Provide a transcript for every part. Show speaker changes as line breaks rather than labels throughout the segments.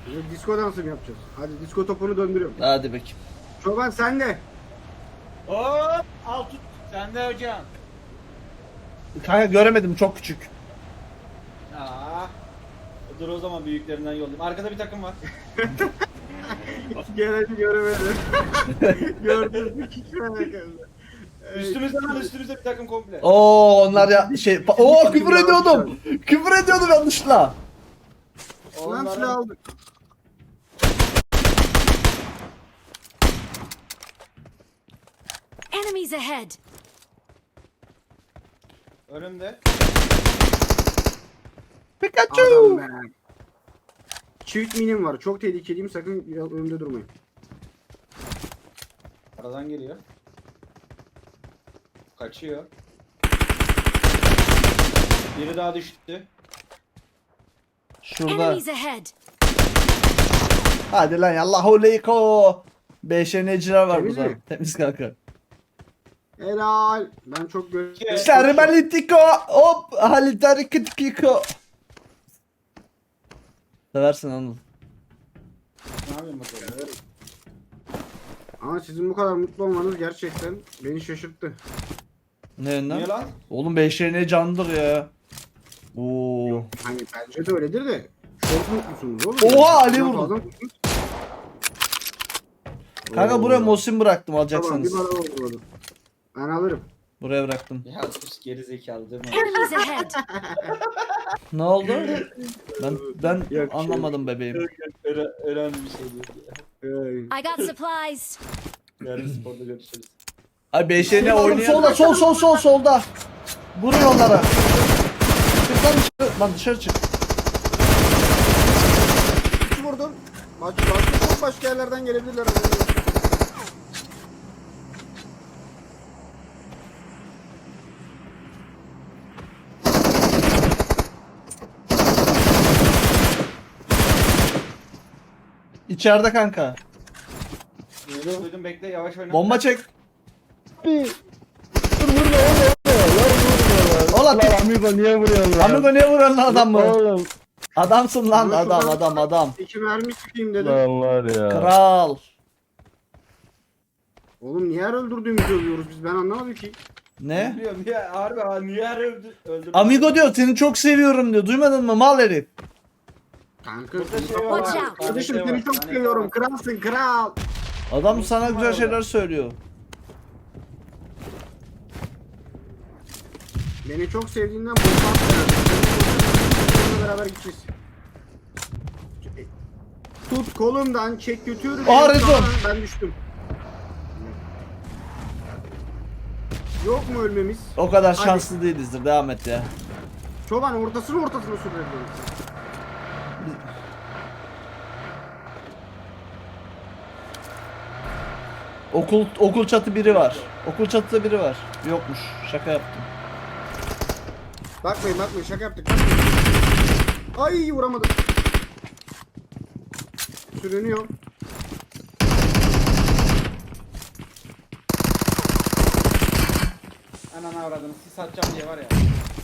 Şimdi disco dansı mı yapacağız? Hadi disco topunu döndürüyorum.
Hadi bakayım.
Çoban sen de.
Hop al tut. Sen de hocam.
Kanka göremedim, çok küçük.
Aa. Dur o zaman büyüklerinden yollayayım. Arkada bir takım var.
Geleni göremedim. Gördüm mü hiç merak etme.
Üstümüzde bir takım komple.
Oo onlar ya küfür ediyordum. Küfür ediyordum yanlışla.
Lan silah aldık.
Enemies ahead!
Önümde.
Pikachu.
Adam be. Çift minim var. Çok tehlikeliyim. Sakın önümde durmayın.
Aradan geliyor. Kaçıyor. Biri daha düştü.
Şurada.
Enemies ahead!
Hadi lan yallahu leyko. BŞN'ciler var
Temiz
burada.
mi?
Temiz kanka.
Helal. Ben çok
Serbalitiko. Hop. Halitarikitiko. Seversin Anıl.
Ne yapayım bakalım.
Ama sizin bu kadar mutlu olmanız gerçekten beni şaşırttı.
Ne yönden?
Niye lan?
Oğlum BŞN candır ya. Oo.
Hani bence de öyledir de. Çok mutlusunuz oğlum.
Oha, Ali
Bundan
vurdu.
fazla mutlusunuz.
Kanka
Oo.
buraya Mosin bıraktım
Tamam
alacaksanız.
bir bana vurdu. Ben alırım.
Buraya bıraktım.
Ya sus geri zekalı değil mi?
Enemies ahead!
Ne oldu? Ben
Yok,
anlamadım bebeğim.
Önemli bir şey değil ya.
I got supplies!
Yarın sporda görüşürüz.
Ay BŞN oynayan. Solda solda. Vurun onlara. Çık lan dışarı. Lan dışarı çık.
Üç vurdum. Çok başka yerlerden gelebilirler.
İçeride kanka.
Duydum bekle yavaş oyna.
Bomba çek.
Dur vurma oğlum.
Ola
Lan amigo niye vuruyorsun lan?
Amigo niye vuruyorsun lan adam mı?
Oğlum.
Adamsın lan
Ama şuradan-
adam.
İki mermi sıkayım dedim.
Lan var ya.
Kral.
Oğlum niye her öldürdüğümüzü övüyoruz biz ben anlamadım ki.
Ne?
Biliyorum niye harbi ha niye her öldürdün?
Amigo diyor seni çok seviyorum diyor. Duymadın mı mal herif?
Kanka
Burada
seni
şey
kapat-
var.
Watch out.
Kardeşim
Şey
seni
var,
çok
tane
seviyorum.
var.
Kralsın kral.
Adam sana
Kim var
güzel
orada?
şeyler söylüyor.
Beni çok sevdiğinden bomba atmıyor. Seninle beraber gideceğiz. Tut kolumdan çek götür.
Aa,
beni
Rezon.
sağdan, ben düştüm. Yok mu ölmemiz?
O kadar
Hadi.
şanslı değilizdir. Devam et ya.
Çoban ortasına sürdürelim.
Okul çatı biri var. Okul çatıda biri var. Yokmuş. Şaka yaptım.
Bakmayın şaka yaptık. Ay vuramadım. Sürünüyor.
Ananı avradını sis atacağım diye var ya.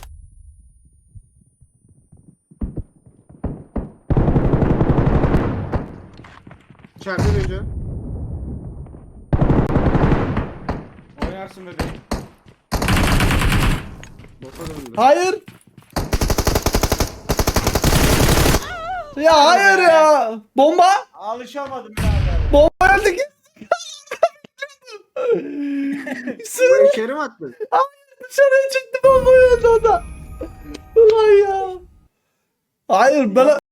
İçeriden önce.
Oynarsın bebeğim.
Bota döndü.
Hayır. Ya hayır ya. Bomba.
Alışamadım birader.
Bomba geldi ki.
Buraya içeri mi attın?
Dışarıya çıktı bomba geldi o da. Ulan ya. Hayır ben